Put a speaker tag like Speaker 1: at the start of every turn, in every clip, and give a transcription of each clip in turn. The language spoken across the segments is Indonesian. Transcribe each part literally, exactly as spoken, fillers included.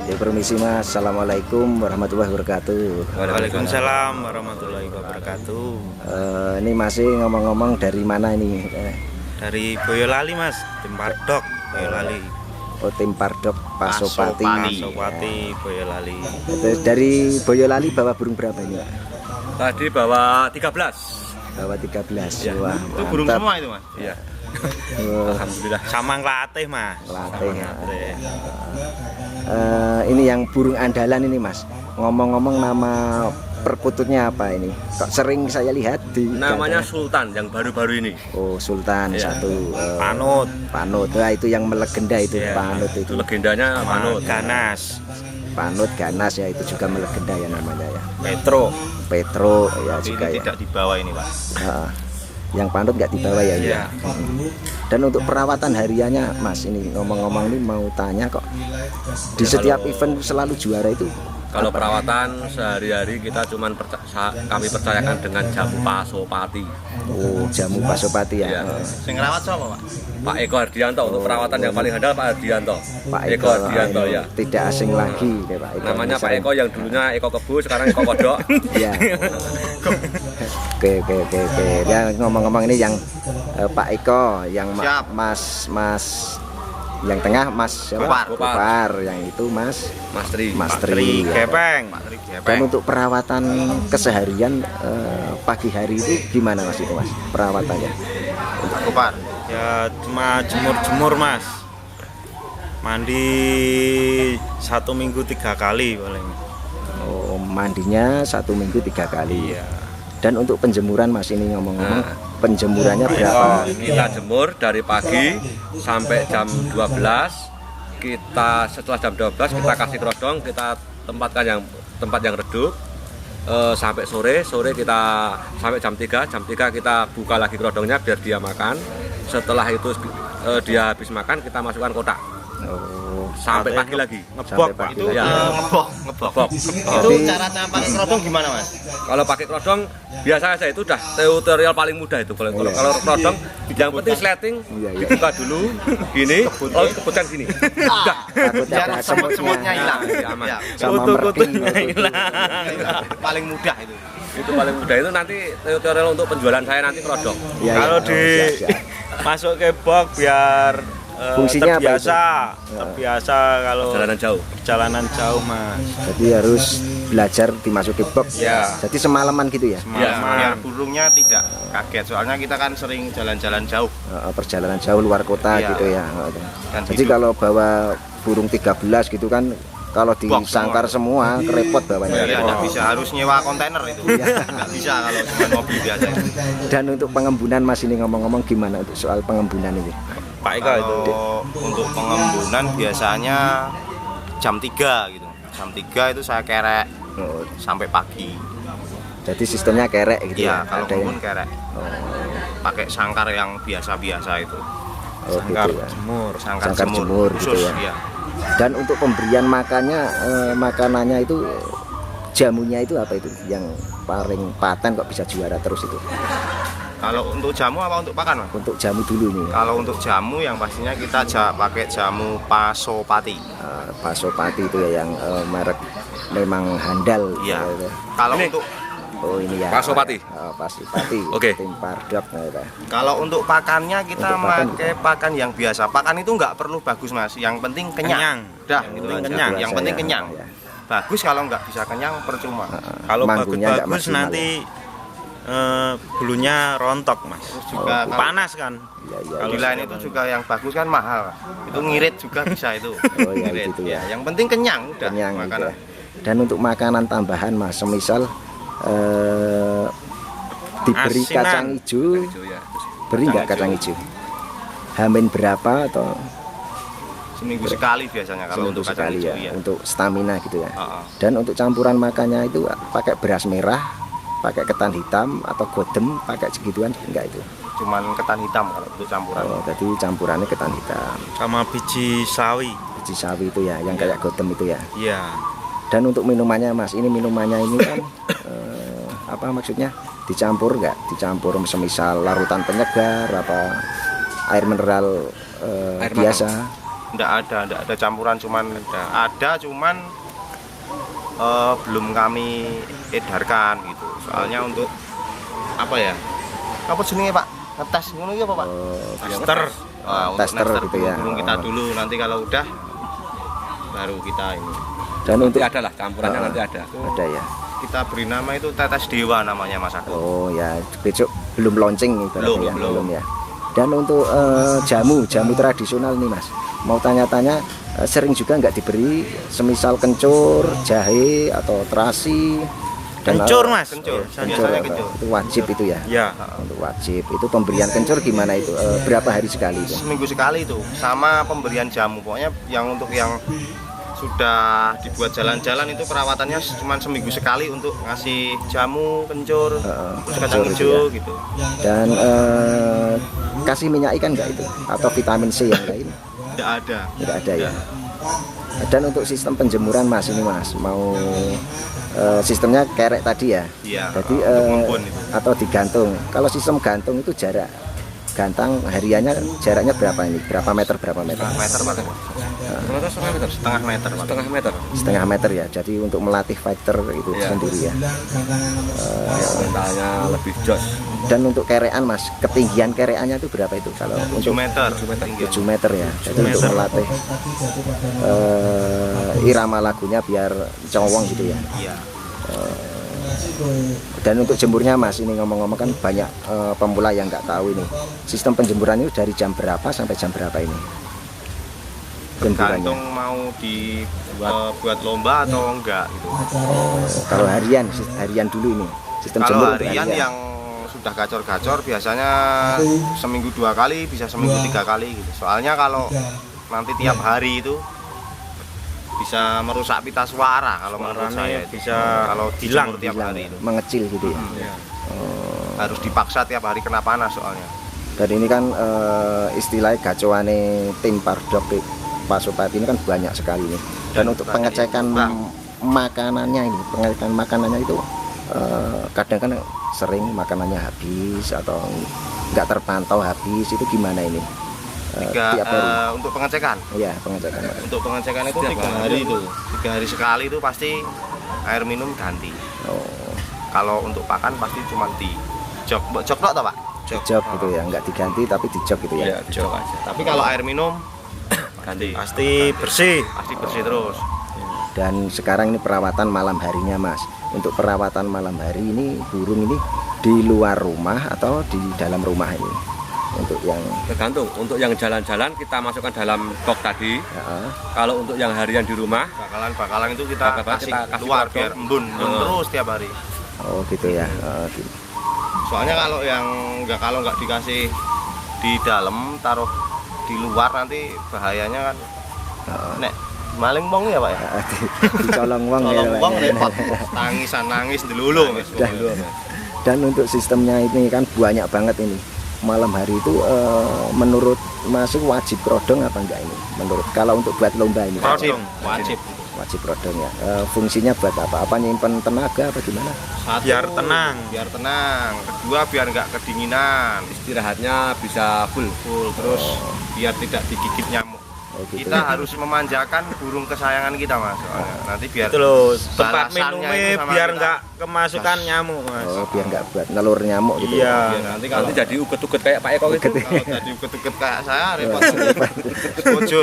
Speaker 1: Ya, permisi Mas. Assalamualaikum warahmatullahi wabarakatuh.
Speaker 2: Waalaikumsalam warahmatullahi wabarakatuh.
Speaker 1: Uh, ini masih ngomong-ngomong dari mana ini? Eh.
Speaker 2: Dari Boyolali Mas, tim Pardok Boyolali.
Speaker 1: Oh, tim Pardok Pasopati.
Speaker 2: Pasopati Boyolali.
Speaker 1: Terus dari Boyolali bawa burung berapa ini?
Speaker 3: Tadi bawa tiga belas.
Speaker 1: Bawa tiga belas.
Speaker 3: Ya,
Speaker 1: Wah,
Speaker 3: itu burung semua itu Mas. Iya.
Speaker 1: Oh.
Speaker 3: Alhamdulillah.
Speaker 2: Sama ngelatih Mas.
Speaker 1: Latih.
Speaker 2: Sama ngelatih.
Speaker 1: Uh, ini yang burung andalan ini Mas. Ngomong-ngomong nama perkututnya apa ini? Kok sering saya lihat di
Speaker 3: namanya
Speaker 1: data.
Speaker 3: Sultan yang baru-baru ini.
Speaker 1: Oh, Sultan
Speaker 3: Ya.
Speaker 1: satu. Uh,
Speaker 2: Panut.
Speaker 1: Panut. Nah, itu yang melegenda itu
Speaker 2: Ya,
Speaker 1: Panut itu.
Speaker 3: Itu legendanya Panut.
Speaker 2: Ganas.
Speaker 1: Panut Ganas ya, itu juga melegenda ya namanya ya.
Speaker 2: Petro.
Speaker 1: Petro ya
Speaker 3: Tapi
Speaker 1: juga
Speaker 3: ini
Speaker 1: ya.
Speaker 3: tidak dibawa ini Pak.
Speaker 1: Nah, yang Panut nggak dibawa ya,
Speaker 2: Iya.
Speaker 1: ya. Dan untuk perawatan hariannya Mas, ini ngomong-ngomong ini mau tanya kok, di
Speaker 3: Ya,
Speaker 1: setiap
Speaker 3: kalau-
Speaker 1: event selalu juara itu
Speaker 3: Kalau
Speaker 1: apa?
Speaker 3: perawatan sehari-hari kita cuman perca- sa- kami percayakan dengan jamu Pasopati.
Speaker 1: Oh, jamu Pasopati ya.
Speaker 3: Iya.
Speaker 1: Oh,
Speaker 4: Sing ngerawat siapa, Pak?
Speaker 3: Pak Eko Hardianto untuk perawatan yang paling handal Pak Hardianto.
Speaker 1: Pak
Speaker 3: Eko
Speaker 1: Eko
Speaker 3: Hardianto
Speaker 1: ini
Speaker 3: ya.
Speaker 1: tidak asing lagi deh Pak Eko.
Speaker 3: Namanya
Speaker 1: Ini
Speaker 3: Pak
Speaker 1: sering-
Speaker 3: Eko yang dulunya Eko Kebu, sekarang Eko Kodok.
Speaker 1: Ya. Oke oke oke oke. Ya, ngomong-ngomong ini yang eh, Pak Eko, yang ma-
Speaker 4: Siap.
Speaker 1: Mas Mas yang tengah Mas siapa?
Speaker 4: Gopar.
Speaker 1: Gopar. Yang itu Mas
Speaker 3: Mas Tri.
Speaker 1: Mas
Speaker 2: Tri
Speaker 1: Tri. ya.
Speaker 2: Gepeng.
Speaker 1: Dan untuk perawatan keseharian eh, pagi hari itu gimana Mas itu Mas perawatannya?
Speaker 4: Gopar.
Speaker 2: Ya cuma jemur-jemur Mas. Mandi satu minggu tiga kali paling.
Speaker 1: Oh, mandinya satu minggu tiga kali.
Speaker 2: Iya.
Speaker 1: Dan untuk penjemuran Mas ini ngomong-ngomong
Speaker 3: Nah.
Speaker 1: penjemurannya berapa?
Speaker 3: Kita jemur dari pagi sampai jam dua belas. Kita setelah jam dua belas kita kasih kerodong, kita tempatkan yang tempat yang redup. Eh, sampai sore, sore kita sampai jam tiga, jam tiga kita buka lagi kerodongnya biar dia makan. Setelah itu eh, dia habis makan, kita masukkan kotak.
Speaker 1: Oh,
Speaker 3: Sampai
Speaker 2: Katanya
Speaker 3: pagi lagi.
Speaker 2: Ngebok
Speaker 1: Sampai
Speaker 2: Pak.
Speaker 1: pagi.
Speaker 4: Itu
Speaker 3: Ya.
Speaker 4: eh, ngebok, ngebok.
Speaker 3: Ngebok.
Speaker 4: Itu
Speaker 1: Jadi-
Speaker 4: cara pakai kerodong gimana, Mas?
Speaker 3: Kalau pakai kerodong biasa saja itu udah tutorial paling mudah itu. Kalau
Speaker 1: Oh, iya.
Speaker 3: kalau kerodong yang penting sleting
Speaker 1: Iya, iya.
Speaker 3: dibuka dulu gini, lalu kebutkan gini. Udah.
Speaker 1: takutnya
Speaker 4: Biar
Speaker 1: ada
Speaker 4: semut-semutnya hilang.
Speaker 3: Iya, aman.
Speaker 4: Ya,
Speaker 1: sama
Speaker 2: Kutu-kutunya
Speaker 1: merking.
Speaker 2: hilang.
Speaker 4: paling mudah itu.
Speaker 3: Itu paling mudah itu nanti tutorial untuk penjualan saya nanti kerodong.
Speaker 1: Ya,
Speaker 2: Kalau
Speaker 1: ya.
Speaker 2: di
Speaker 1: Oh, siap, siap.
Speaker 2: masuk ke box biar eh,
Speaker 1: Fungsinya apa
Speaker 2: terbiasa,
Speaker 1: itu? Ya.
Speaker 2: terbiasa kalau
Speaker 3: Perjalanan jauh.
Speaker 2: perjalanan jauh Mas.
Speaker 1: Jadi harus belajar dimasuki box.
Speaker 2: Ya.
Speaker 1: Jadi semalaman gitu ya.
Speaker 4: Ya,
Speaker 2: Semalaman.
Speaker 4: biar burungnya tidak kaget. Soalnya kita kan sering jalan-jalan jauh.
Speaker 1: Eh, perjalanan jauh luar kota
Speaker 4: Iya.
Speaker 1: gitu ya.
Speaker 4: Dan
Speaker 1: Jadi
Speaker 4: hidup.
Speaker 1: kalau bawa burung tiga belas gitu kan, kalau
Speaker 4: Box
Speaker 1: disangkar semua kerepot bawanya.
Speaker 4: Iya, nggak bisa, harus nyewa kontainer itu. Nggak bisa kalau cuma mobil biasa itu.
Speaker 1: Dan untuk pengembunan Mas ini ngomong-ngomong gimana untuk soal pengembunan ini?
Speaker 2: Pak Ika itu.
Speaker 4: Kalau untuk pengembunan biasanya jam tiga gitu. Jam tiga itu saya kerek
Speaker 1: Oh,
Speaker 4: sampai pagi.
Speaker 1: jadi sistemnya kerek gitu
Speaker 4: Iya,
Speaker 1: ya.
Speaker 4: kalau
Speaker 1: Ada yang
Speaker 4: kebun kerek.
Speaker 1: oh,
Speaker 4: Pakai sangkar yang biasa-biasa itu.
Speaker 1: oh
Speaker 2: Sangkar
Speaker 1: gitu ya.
Speaker 2: jemur.
Speaker 4: Sangkar,
Speaker 1: Sangkar
Speaker 4: jemur,
Speaker 1: jemur
Speaker 4: khusus
Speaker 1: gitu ya.
Speaker 4: iya.
Speaker 1: Dan untuk pemberian makannya eh, makanannya itu jamunya itu apa itu yang paling paten kok bisa juara terus itu?
Speaker 4: Kalau untuk jamu apa untuk pakan, Mas?
Speaker 1: Untuk jamu dulu nih.
Speaker 4: Kalau untuk jamu yang pastinya kita ja, pakai jamu Pasopati.
Speaker 1: Uh, Pasopati itu ya yang eh, merek memang handal.
Speaker 4: Iya.
Speaker 1: gitu ya.
Speaker 4: Kalau
Speaker 3: Ini.
Speaker 4: untuk
Speaker 1: Oh ini ya.
Speaker 3: Pasopati.
Speaker 1: Oh, Pasopati.
Speaker 3: Oke.
Speaker 1: Tim Pardok. gitu ya.
Speaker 4: kalau untuk pakannya kita
Speaker 1: Untuk pakan
Speaker 4: pakai pakan yang biasa. Pakan itu nggak perlu bagus, Mas. Yang penting kenyang.
Speaker 2: Kenyang.
Speaker 4: Dah,
Speaker 2: Yang
Speaker 4: gitu
Speaker 2: penting
Speaker 4: aja.
Speaker 2: kenyang.
Speaker 4: Yang
Speaker 1: Biasa
Speaker 4: penting
Speaker 1: ya.
Speaker 4: kenyang.
Speaker 1: Ya.
Speaker 4: Bagus kalau nggak bisa kenyang percuma.
Speaker 2: Kalau
Speaker 1: Mangkunya nggak
Speaker 2: bagus-bagus
Speaker 1: maksimal
Speaker 2: nanti eh, bulunya rontok Mas.
Speaker 4: Terus juga
Speaker 1: Oh,
Speaker 4: kalau
Speaker 2: Panas kan.
Speaker 1: Iya, iya.
Speaker 2: Kalau
Speaker 4: di lain itu juga yang bagus kan mahal. Itu ngirit juga bisa itu.
Speaker 1: Oh, iya,
Speaker 4: Ngirit,
Speaker 1: gitu ya.
Speaker 4: Yang penting kenyang udah
Speaker 1: Kenyang gitu
Speaker 4: makanan.
Speaker 1: ya. Dan untuk makanan tambahan Mas, semisal eh, diberi
Speaker 2: Asinan.
Speaker 1: kacang hijau,
Speaker 3: Hijau ya.
Speaker 1: beri nggak kacang hijau? Hamin berapa atau
Speaker 4: Seminggu sekali biasanya kalau
Speaker 1: seminggu
Speaker 4: untuk kacang
Speaker 1: sekali
Speaker 4: hijau
Speaker 1: ya,
Speaker 4: ya.
Speaker 1: untuk stamina gitu ya.
Speaker 4: Heeh.
Speaker 1: Dan untuk campuran makannya itu pakai beras merah, pakai ketan hitam atau godem, pakai segituan enggak itu?
Speaker 4: Cuman ketan hitam kalau untuk campuran.
Speaker 1: Oh, jadi campurannya ketan hitam,
Speaker 2: sama biji sawi.
Speaker 1: biji sawi itu ya, yang kayak godem itu ya.
Speaker 2: Iya.
Speaker 1: Dan untuk minumannya Mas, ini minumannya ini kan eh, apa maksudnya? Dicampur nggak? Dicampur semisal larutan penyegar apa air mineral eh,
Speaker 3: Air
Speaker 1: biasa?
Speaker 4: Enggak ada, enggak ada campuran, cuman ada, ada cuman eh, belum kami edarkan gitu. Soalnya untuk apa ya? Apa jenenge Pak? Ngetes ngono iki apa Pak?
Speaker 1: Oh,
Speaker 2: Tester.
Speaker 4: Wah, untuk
Speaker 1: Tester
Speaker 4: nester
Speaker 1: gitu ya.
Speaker 4: burung kita
Speaker 1: Oh.
Speaker 4: dulu, nanti kalau udah baru kita ini.
Speaker 1: dan
Speaker 3: Nanti
Speaker 1: untuk
Speaker 3: ada lah campurannya,
Speaker 1: Ah.
Speaker 3: nanti ada.
Speaker 1: ada ya.
Speaker 4: Kita beri nama itu tetes dewa namanya Mas Agus.
Speaker 1: Oh ya, besok belum launching ibaratnya
Speaker 4: Belum,
Speaker 1: ya,
Speaker 4: belum.
Speaker 1: ya. Dan untuk eh, jamu, jamu tradisional nih Mas. Mau tanya-tanya eh, sering juga nggak diberi semisal kencur, jahe atau terasi dan
Speaker 2: Kencur
Speaker 1: eh,
Speaker 2: mas.
Speaker 4: Kencur,
Speaker 1: kencur,
Speaker 4: biasanya
Speaker 1: apa?
Speaker 4: kencur.
Speaker 1: Itu wajib itu ya.
Speaker 2: Ya.
Speaker 1: Untuk wajib itu pemberian kencur gimana itu? Eh, berapa hari sekali itu?
Speaker 4: Seminggu sekali itu, sama pemberian jamu. Pokoknya yang untuk yang sudah dibuat jalan-jalan itu perawatannya cuma seminggu sekali untuk ngasih jamu, kencur,
Speaker 1: Heeh,
Speaker 4: terus kacang
Speaker 1: kencur itu
Speaker 4: hijau
Speaker 1: ya.
Speaker 4: gitu.
Speaker 1: Dan eh, kasih minyak ikan nggak itu? Atau vitamin C yang lain?
Speaker 4: Tidak ada.
Speaker 1: Tidak ada ya. Dan untuk sistem penjemuran Mas ini Mas mau eh, sistemnya kerek tadi ya.
Speaker 4: Iya.
Speaker 1: Jadi
Speaker 4: untuk
Speaker 1: eh,
Speaker 4: ngembun itu.
Speaker 1: atau digantung. Kalau sistem gantung itu jarak gantang hariannya jaraknya berapa ini? Berapa meter berapa meter?
Speaker 4: Setengah meter Pak.
Speaker 3: Ternyata setengah meter.
Speaker 4: Setengah meter Pak.
Speaker 3: Setengah meter.
Speaker 1: Setengah meter ya. Jadi untuk melatih fighter itu
Speaker 3: Iya.
Speaker 1: sendiri ya.
Speaker 3: Ya, mentalnya lebih jos.
Speaker 1: Dan untuk kerean Mas, ketinggian kereannya itu berapa itu? Kalau
Speaker 4: tujuh
Speaker 1: untuk
Speaker 4: meter. tinggi.
Speaker 1: tujuh meter ya. Jadi untuk melatih eh, irama lagunya biar cowong gitu ya.
Speaker 4: Iya.
Speaker 1: Dan untuk jemurnya Mas, ini ngomong-ngomong kan banyak eh, pemula yang nggak tahu ini. Sistem penjemuran itu dari jam berapa sampai jam berapa ini? Jemburannya.
Speaker 4: Tergantung mau dibuat eh, buat lomba atau enggak gitu.
Speaker 1: Oh, kalau harian, sis- harian dulu ini. Sistem
Speaker 4: Kalau
Speaker 1: jemur untuk
Speaker 4: harian yang sudah gacor-gacor biasanya seminggu dua kali, bisa seminggu tiga kali gitu. Soalnya kalau nanti tiap hari itu bisa merusak pita suara kalau menurut
Speaker 2: Suaranya
Speaker 4: saya itu.
Speaker 2: bisa
Speaker 4: kalau
Speaker 2: hilang,
Speaker 4: dijemur tiap
Speaker 1: hilang
Speaker 4: hari
Speaker 1: ya,
Speaker 4: itu
Speaker 1: mengecil gitu ya.
Speaker 4: Hmm. harus dipaksa tiap hari kena panas soalnya.
Speaker 1: Dan ini kan eh, istilahnya gacoane tim Pardok Pak Supati ini kan banyak sekali nih. Dan untuk
Speaker 4: banyak
Speaker 1: pengecekan
Speaker 4: yang
Speaker 1: makanannya ini, pengecekan makanannya itu eh, kadang kan sering makanannya habis atau nggak terpantau habis, itu gimana ini? Eh,
Speaker 4: Tiga,
Speaker 1: tiap hari.
Speaker 4: eh, untuk pengecekan
Speaker 1: Iya, pengecekan.
Speaker 4: untuk pengecekan itu
Speaker 3: Setiap
Speaker 4: tiga
Speaker 3: hari.
Speaker 4: hari itu tiga hari sekali itu pasti air minum ganti.
Speaker 1: Oh,
Speaker 4: Kalau untuk pakan pasti cuma di jok jok tok toh Pak.
Speaker 1: dijok gitu ya, nggak diganti tapi dijok gitu ya.
Speaker 3: Ya, jok aja.
Speaker 4: Tapi kalau air minum
Speaker 3: Ganti.
Speaker 2: Pasti bersih.
Speaker 4: pasti bersih terus.
Speaker 1: Dan sekarang ini perawatan malam harinya Mas. Untuk perawatan malam hari ini burung ini di luar rumah atau di dalam rumah ini? Untuk yang
Speaker 3: Tergantung. Untuk yang jalan-jalan kita masukkan dalam box tadi.
Speaker 1: ya,
Speaker 3: Kalau untuk yang harian di rumah,
Speaker 4: Bakalan-bakalan itu kita
Speaker 3: Bakalan
Speaker 4: kasih,
Speaker 3: kita kasih
Speaker 4: keluar
Speaker 3: kodok.
Speaker 4: biar embun, embun
Speaker 3: Hmm.
Speaker 4: terus tiap hari.
Speaker 1: oh gitu ya. Oh, gitu.
Speaker 4: Soalnya kalau yang nggak kalau nggak dikasih di dalam, taruh di luar nanti bahayanya kan. Nek maling wong ya Pak ya.
Speaker 1: Ah, di, dicolong uang ya.
Speaker 4: Kalau
Speaker 1: Pak,
Speaker 4: wong
Speaker 1: ya.
Speaker 4: repot, tangisan nangis delulu.
Speaker 1: Dan, dan untuk sistemnya ini kan banyak banget ini. Malam hari itu eh, menurut masih wajib prodong apa enggak ini? Menurut kalau untuk buat lomba ini
Speaker 4: Wajib,
Speaker 2: Prodong.
Speaker 4: wajib.
Speaker 1: wajib prodong ya. Eh, fungsinya buat apa? Apa nyimpen tenaga apa gimana?
Speaker 4: Satu,
Speaker 2: Biar tenang.
Speaker 4: Biar tenang. Kedua biar nggak kedinginan.
Speaker 3: istirahatnya bisa full.
Speaker 4: Full terus biar tidak digigit nyamuk.
Speaker 1: Oh, gitu.
Speaker 4: Kita harus memanjakan burung kesayangan kita Mas. Soalnya nanti biar
Speaker 2: Itu loh, tempat
Speaker 4: balasannya
Speaker 2: minumnya
Speaker 4: itu sama
Speaker 2: biar
Speaker 4: kita.
Speaker 2: nggak kemasukan nyamuk mas.
Speaker 1: Oh, biar nggak buat nelur nyamuk gitu.
Speaker 2: Iya.
Speaker 1: ya.
Speaker 4: Biar nanti kalau
Speaker 3: Nanti jadi uget-uget kayak Pak Eko gitu.
Speaker 4: kalau tadi uket-uket kayak saya repot. Bocor.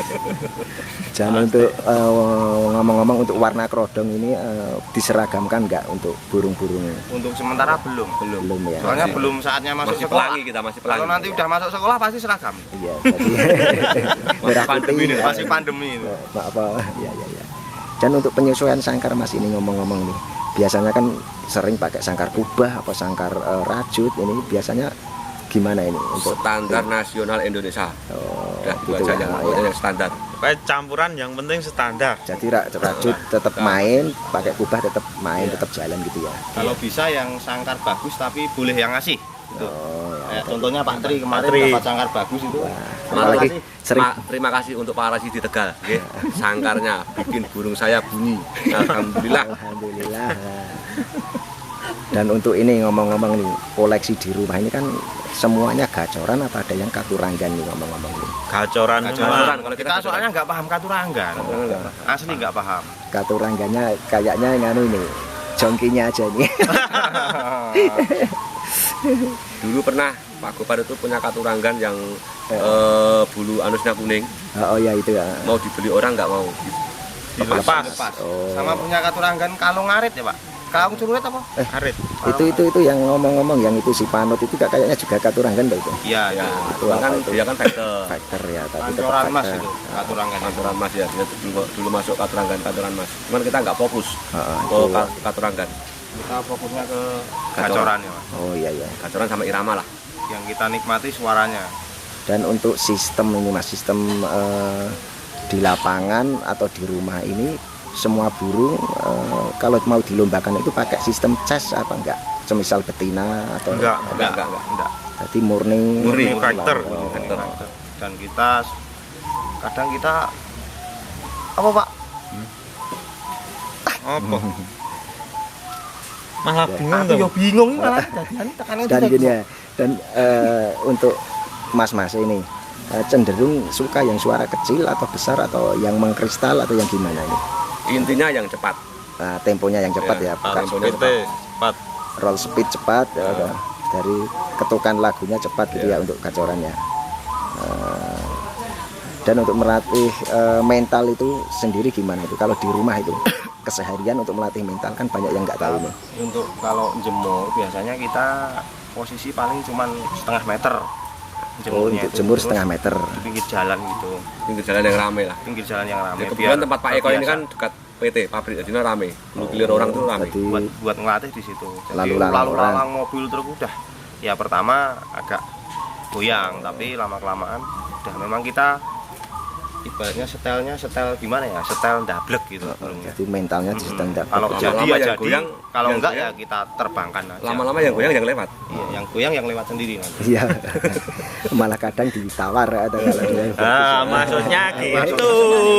Speaker 1: Dan untuk eh, ngomong-ngomong untuk warna kerodong ini eh, diseragamkan nggak untuk burung-burung?
Speaker 4: Untuk sementara belum.
Speaker 3: Belum.
Speaker 1: Belum ya.
Speaker 4: Soalnya
Speaker 3: Masih-
Speaker 4: belum saatnya masuk
Speaker 3: Masih
Speaker 4: sekolah.
Speaker 3: pelangi kita, masih pelangi.
Speaker 4: Kalau nanti udah masuk sekolah pasti seragam.
Speaker 1: Iya, jadi merah
Speaker 3: pandemi
Speaker 1: putih,
Speaker 3: ini,
Speaker 1: ya.
Speaker 4: Masih pandemi itu.
Speaker 1: Eh, Pak apa? Ya, ya, ya. Dan untuk penyesuaian sangkar Mas ini ngomong-ngomong nih, biasanya kan sering pakai sangkar kubah atau sangkar eh, rajut. Ini biasanya gimana ini untuk
Speaker 3: Standar nasional Indonesia.
Speaker 1: Oh,
Speaker 3: Udah dua
Speaker 1: gitu
Speaker 3: aja
Speaker 1: ya.
Speaker 3: yang,
Speaker 1: Oh, ya.
Speaker 3: yang standar.
Speaker 2: Kayak campuran yang penting standar.
Speaker 1: Jadi ra- rajut tetap main, pakai kubah tetap main,
Speaker 4: Iya.
Speaker 1: tetap jalan gitu ya.
Speaker 4: Kalau bisa yang sangkar bagus tapi boleh yang ngasih. Gitu.
Speaker 1: Oh, ya.
Speaker 4: Kayak contohnya Pak Tri kemarin
Speaker 2: Pak Tri.
Speaker 4: dapat sangkar bagus itu.
Speaker 1: Wah,
Speaker 3: Terima
Speaker 1: apalagi
Speaker 3: kasih,
Speaker 1: sering
Speaker 3: Ma- terima kasih untuk Pak Rasi di Tegal. Nggih. Sangkarnya bikin burung saya bunyi. Alhamdulillah.
Speaker 1: Alhamdulillah. Dan untuk ini ngomong-ngomong nih, koleksi di rumah ini kan semuanya gacoran apa ada yang katuranggan nih ngomong-ngomong nih?
Speaker 5: Gacoran
Speaker 3: Gacoran,
Speaker 5: mah.
Speaker 3: kalau
Speaker 4: Kita soalnya nggak paham katuranggan. Asli nggak paham.
Speaker 1: Katuranggannya kayaknya nganu ini, jongkinya aja nih.
Speaker 3: Dulu pernah Pak Gopar itu punya katuranggan yang eh, bulu anusnya kuning,
Speaker 1: Oh ya itu ya.
Speaker 3: mau dibeli orang nggak mau.
Speaker 5: Dilepas.
Speaker 4: Lepas.
Speaker 1: Oh.
Speaker 4: Sama punya katuranggan kalung ngarit ya, Pak? Kalung curuet apa?
Speaker 5: Arit.
Speaker 1: Itu itu itu yang ngomong-ngomong yang itu si Panut itu kayaknya juga katuranggan Mbak itu.
Speaker 4: Iya,
Speaker 3: Ya,
Speaker 4: iya.
Speaker 3: itu kan dia kan fighter.
Speaker 1: Factor ya, tapi tetap
Speaker 4: Kantoran Mas
Speaker 1: factor.
Speaker 4: itu, katuranggan.
Speaker 3: Katuran Mas ya, dia dulu, dulu masuk katurangan katuran Mas. Cuman kita nggak fokus
Speaker 1: Heeh,
Speaker 3: ke
Speaker 1: itu.
Speaker 3: ka- katurangan.
Speaker 4: Kita fokusnya ke
Speaker 3: Gacoran.
Speaker 4: gacoran ya, Mas.
Speaker 1: Oh iya iya.
Speaker 3: Katuran sama irama lah.
Speaker 4: Yang kita nikmati suaranya.
Speaker 1: Dan untuk sistem ini Mas, sistem eh, di lapangan atau di rumah ini semua burung eh, kalau mau dilombakan itu pakai sistem ces apa enggak? Semisal betina atau
Speaker 5: Enggak.
Speaker 3: Enggak, enggak, enggak.
Speaker 4: Enggak.
Speaker 1: Jadi murni
Speaker 5: Murni factor.
Speaker 1: Oh,
Speaker 3: Factor.
Speaker 4: Dan kita kadang kita apa, Pak?
Speaker 5: Apa? Malah bingung
Speaker 4: Aku
Speaker 5: tuh.
Speaker 4: yo bingung ini malah dadian tekannya
Speaker 1: dan
Speaker 4: tidak.
Speaker 1: gini ya. Dan eh, untuk mas-mas ini eh, cenderung suka yang suara kecil atau besar atau yang mengkristal atau yang gimana ini?
Speaker 3: Intinya yang cepat.
Speaker 1: Nah, temponya yang cepat ya,
Speaker 3: Ya,
Speaker 1: bukan
Speaker 3: temponya
Speaker 5: P T cepat.
Speaker 1: roll speed cepat ya, ada. Dari ketukan lagunya cepat gitu ya, untuk gacorannya. Eh, dan untuk melatih eh, mental itu sendiri gimana itu kalau di rumah itu keseharian untuk melatih mental kan banyak yang nggak tahu nih.
Speaker 4: Untuk kalau jemur biasanya kita posisi paling cuman setengah meter.
Speaker 1: Oh,
Speaker 4: Jemurnya
Speaker 1: untuk
Speaker 4: itu.
Speaker 1: jemur
Speaker 4: Terus
Speaker 1: setengah meter.
Speaker 4: di pinggir jalan gitu.
Speaker 3: Pinggir jalan yang rame lah.
Speaker 4: Pinggir jalan yang ramai.
Speaker 3: Ya, kebetulan tempat Pak Eko ini kan dekat P T pabrik, jadi rame. Dulu gilir orang tuh rame.
Speaker 1: Jadi
Speaker 4: buat buat ngelatih di situ. Jadi
Speaker 1: Lalu
Speaker 4: lalu
Speaker 1: lalang
Speaker 4: lalang mobil truk udah. Ya pertama agak goyang, tapi lama kelamaan udah memang kita ibaratnya setelnya setel gimana ya, setel dablek gitu burungnya.
Speaker 1: jadi mentalnya di sedang dapat.
Speaker 4: Kalau
Speaker 3: Lama-lama
Speaker 4: jadi ya
Speaker 3: yang
Speaker 4: jadi,
Speaker 3: goyang,
Speaker 4: kalau
Speaker 3: yang
Speaker 4: enggak
Speaker 3: goyang.
Speaker 4: ya kita terbangkan aja.
Speaker 3: Lama-lama yang goyang yang lewat.
Speaker 4: Iya, yang goyang yang lewat sendiri nanti.
Speaker 1: Iya. Malah kadang ditawar atau kalau dia
Speaker 5: Ah, maksudnya gitu.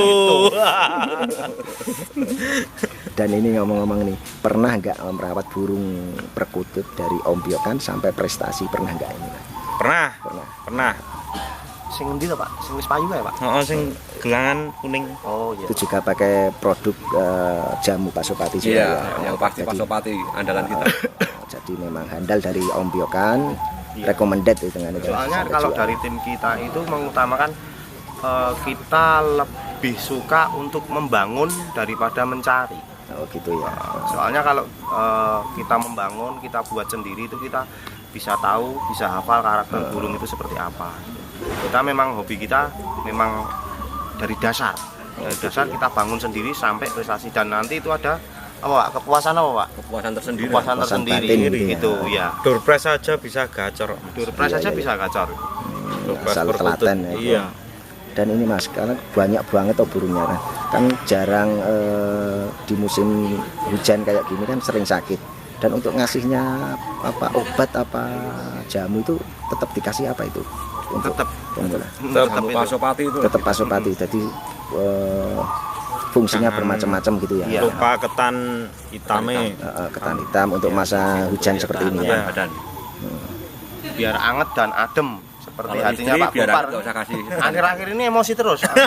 Speaker 1: Dan ini ngomong-ngomong nih, pernah nggak merawat burung perkutut dari ombyokan sampai prestasi, pernah nggak ini?
Speaker 5: Pernah,
Speaker 1: Pernah.
Speaker 5: pernah.
Speaker 4: Sing endi to, Pak? Sing wis payu ya, Pak?
Speaker 5: Oh, sing gelangan kuning.
Speaker 4: Oh iya.
Speaker 1: Itu juga pakai produk eh, jamu Pasopati juga
Speaker 3: Iya,
Speaker 1: ya.
Speaker 3: yang pasti
Speaker 1: Jadi-
Speaker 3: Pasopati andalan kita.
Speaker 1: Jadi memang handal dari ombyokan, recommended itu dengan itu.
Speaker 4: Soalnya
Speaker 1: Sampai
Speaker 4: kalau
Speaker 1: jual.
Speaker 4: dari tim kita itu mengutamakan eh, kita lebih suka untuk membangun daripada mencari.
Speaker 1: Oh gitu ya.
Speaker 4: Soalnya kalau eh, kita membangun, kita buat sendiri itu kita bisa tahu, bisa hafal karakter burung itu seperti apa. Kita memang hobi kita memang dari dasar. Dari dasar kita bangun sendiri sampai prestasi dan nanti itu ada apa Pak? Kepuasan apa Pak?
Speaker 3: Kepuasan tersendiri.
Speaker 4: Kepuasan
Speaker 1: Kepuasan
Speaker 4: tersendiri
Speaker 1: batin gitu ya.
Speaker 4: gitu ya.
Speaker 5: Doorpress saja bisa gacor.
Speaker 4: Doorpress
Speaker 1: Iya,
Speaker 4: saja
Speaker 1: iya.
Speaker 4: bisa gacor.
Speaker 5: Doorpress
Speaker 1: Asal
Speaker 5: perkutut.
Speaker 1: telaten ya.
Speaker 5: Iya.
Speaker 1: Dan ini mas, karena banyak banget tuh burungnya kan, kan jarang eh, di musim hujan kayak gini kan sering sakit. Dan untuk ngasihnya apa obat apa jamu itu tetap dikasih apa itu? Untuk
Speaker 4: Tetap
Speaker 1: pemula.
Speaker 4: tetap
Speaker 3: Jamu
Speaker 4: itu.
Speaker 3: Pasopati itu.
Speaker 1: Tetap Pasopati. Jadi eh, fungsinya
Speaker 5: Jangan
Speaker 1: bermacam-macam gitu ya.
Speaker 4: Iya.
Speaker 5: Lupa ketan hitame.
Speaker 1: Eh, eh, ketan hitam untuk masa hujan seperti ini ya.
Speaker 3: Badan.
Speaker 4: Biar anget dan adem seperti
Speaker 3: Kalau
Speaker 4: hatinya
Speaker 3: istri
Speaker 4: Pak
Speaker 3: biar
Speaker 4: Gopar.
Speaker 3: nggak usah kasih.
Speaker 4: Akhir-akhir ini emosi terus. soalnya.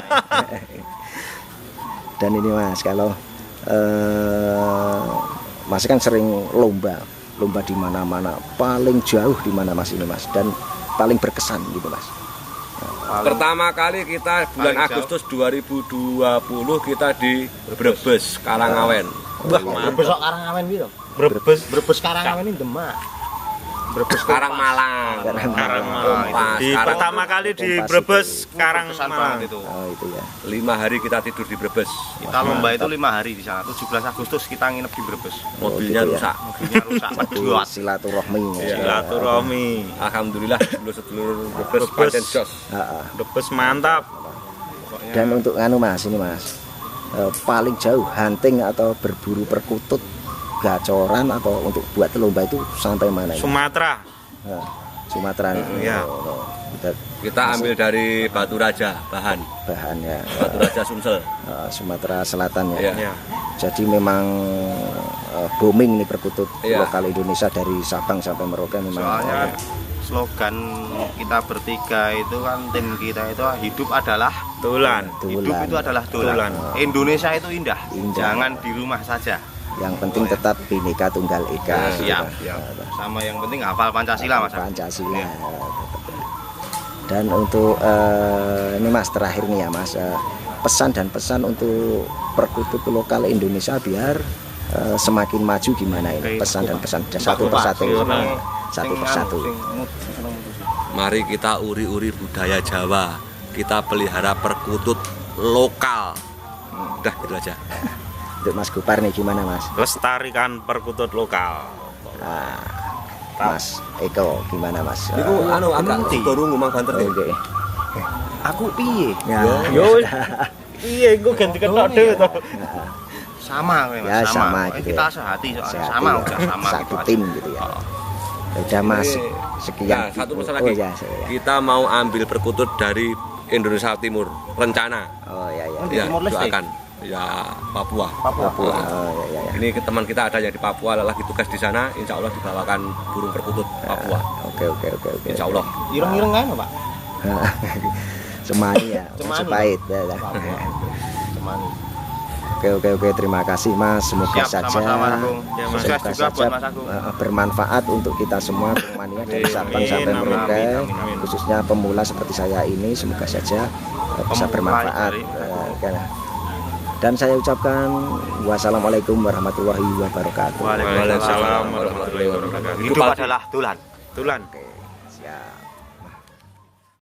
Speaker 1: Dan ini mas, kalau eh, mas kan sering lomba, lomba di mana-mana, paling jauh di mana mas ini mas, dan paling berkesan gitu mas.
Speaker 4: Paling-
Speaker 3: Pertama kali kita bulan
Speaker 4: Paling jauh.
Speaker 3: Agustus dua ribu dua puluh kita di Brebes, Karangawen.
Speaker 5: Wah,
Speaker 4: Brebes kok Karangawen gitu.
Speaker 5: Brebes.
Speaker 4: Brebes Karangawen ini Demak. Brebes
Speaker 3: Karang Malang.
Speaker 5: Karang
Speaker 3: Kompas.
Speaker 5: Di
Speaker 3: Karang-
Speaker 5: pertama kali di
Speaker 1: Kompas
Speaker 5: Brebes,
Speaker 1: itu.
Speaker 5: Karang
Speaker 4: Berkesan
Speaker 5: Malang.
Speaker 4: banget itu.
Speaker 1: Oh itu ya.
Speaker 3: Lima hari kita tidur di Brebes.
Speaker 4: Kita lomba itu lima hari di sana. tujuh belas Agustus kita nginep di Brebes.
Speaker 3: Mobilnya
Speaker 1: gitu ya.
Speaker 3: rusak.
Speaker 4: Mobilnya rusak,
Speaker 1: Itu
Speaker 4: medot.
Speaker 1: silaturahmi. ya.
Speaker 5: Silaturahmi.
Speaker 3: Alhamdulillah sedulur-sedulur Brebes
Speaker 5: Brebes.
Speaker 3: pancen jos.
Speaker 1: Ah, ah.
Speaker 5: Brebes mantap.
Speaker 4: Pokoknya
Speaker 1: Dan untuk anu mas ini mas, eh, paling jauh hunting atau berburu perkutut gacoran atau untuk buat lomba itu sampai mana ini?
Speaker 5: Sumatera.
Speaker 1: Nah, Sumatera nih.
Speaker 5: Iya.
Speaker 1: Oh, oh. Kita-
Speaker 3: Kita ambil dari Batu Raja, bahan.
Speaker 1: Bahan ya.
Speaker 3: Batu Raja Sumsel.
Speaker 1: Eh, Sumatera Selatan ya.
Speaker 3: Iya.
Speaker 5: Ya.
Speaker 1: Jadi memang eh, booming nih perkutut
Speaker 3: Iya.
Speaker 1: lokal Indonesia dari Sabang sampai Merauke memang.
Speaker 4: Soalnya
Speaker 1: eh,
Speaker 4: slogan kita bertiga itu kan, tim kita itu hidup adalah
Speaker 5: Tulan.
Speaker 4: hidup
Speaker 1: Tulan.
Speaker 4: itu adalah tulan.
Speaker 5: Tulan.
Speaker 4: Indonesia itu indah.
Speaker 1: Indah.
Speaker 4: Jangan di rumah saja.
Speaker 1: Yang penting tetap Bhinneka Tunggal Ika.
Speaker 4: Ya,
Speaker 1: gitu
Speaker 4: siap,
Speaker 1: kan.
Speaker 4: siap.
Speaker 1: Eh,
Speaker 4: Sama yang penting hafal Pancasila, Mas.
Speaker 1: Pancasila.
Speaker 4: Iya.
Speaker 1: Dan untuk eh, ini Mas terakhir nih ya Mas, eh, pesan dan pesan untuk perkutut lokal Indonesia biar eh, semakin maju gimana ini? Pesan dan pesan satu persatu, satu persatu.
Speaker 3: Mari kita uri-uri budaya Jawa. Kita pelihara perkutut lokal. Udah gitu aja.
Speaker 1: Untuk Mas Gopar nih gimana Mas?
Speaker 5: Lestarikan perkutut lokal.
Speaker 1: Nah, Mas Eko gimana Mas?
Speaker 3: Iku anu agak dorong ngomong banter
Speaker 1: Eh,
Speaker 3: nih.
Speaker 1: Oke.
Speaker 4: Aku piye?
Speaker 1: Ya,
Speaker 5: Yo. Iya, gue ganti ketok dhewe to.
Speaker 4: Sama, Mas.
Speaker 1: Ya, sama
Speaker 4: Eh,
Speaker 1: gitu
Speaker 4: Kita
Speaker 1: ya.
Speaker 4: sehati soalnya.
Speaker 1: Sehati
Speaker 4: Sama,
Speaker 1: ya.
Speaker 4: udah sama
Speaker 1: Satu
Speaker 4: gitu aja.
Speaker 1: tim gitu ya.
Speaker 4: Oh.
Speaker 1: Ya udah Mas,
Speaker 3: Ini-
Speaker 1: sekian.
Speaker 3: Nah, satu pesan
Speaker 1: Oh,
Speaker 3: lagi.
Speaker 1: ya, saya-
Speaker 3: Kita mau ambil perkutut dari Indonesia Timur. Rencana.
Speaker 1: Oh ya ya.
Speaker 4: Di
Speaker 3: Ya,
Speaker 4: Timor Leste?
Speaker 3: doakan. Ya, Papua.
Speaker 4: Papua.
Speaker 1: Oh ya ya ya.
Speaker 3: Ini ke teman kita ada yang di Papua lagi tugas di sana, insya Allah dibawakan burung perkutut Papua.
Speaker 1: Oke oke oke oke.
Speaker 3: Insya Allah.
Speaker 4: Ireng-ireng kan, Pak?
Speaker 1: Semani ya,
Speaker 4: Cemani.
Speaker 1: Majapahit ya, ya.
Speaker 4: Papua. Cemani.
Speaker 1: Oke oke oke terima kasih Mas, semoga
Speaker 4: Siap,
Speaker 1: saja
Speaker 4: sama-sama, Agung.
Speaker 5: Ya, Mas.
Speaker 4: Sukses
Speaker 1: semoga
Speaker 4: juga buat
Speaker 1: saja
Speaker 4: Mas Agung.
Speaker 1: eh, bermanfaat untuk kita semua Mania dari Sabang
Speaker 5: Amin,
Speaker 1: sampai
Speaker 5: amin,
Speaker 1: Merauke,
Speaker 5: amin, amin.
Speaker 1: khususnya pemula seperti saya ini, semoga saja eh, bisa
Speaker 4: Pemula
Speaker 1: bermanfaat.
Speaker 4: dari-
Speaker 1: Eh, kan. Dan saya ucapkan wassalamualaikum warahmatullahi wabarakatuh.
Speaker 5: Waalaikumsalam warahmatullahi wabarakatuh.
Speaker 4: Hidup adalah tulan.
Speaker 5: Tulan.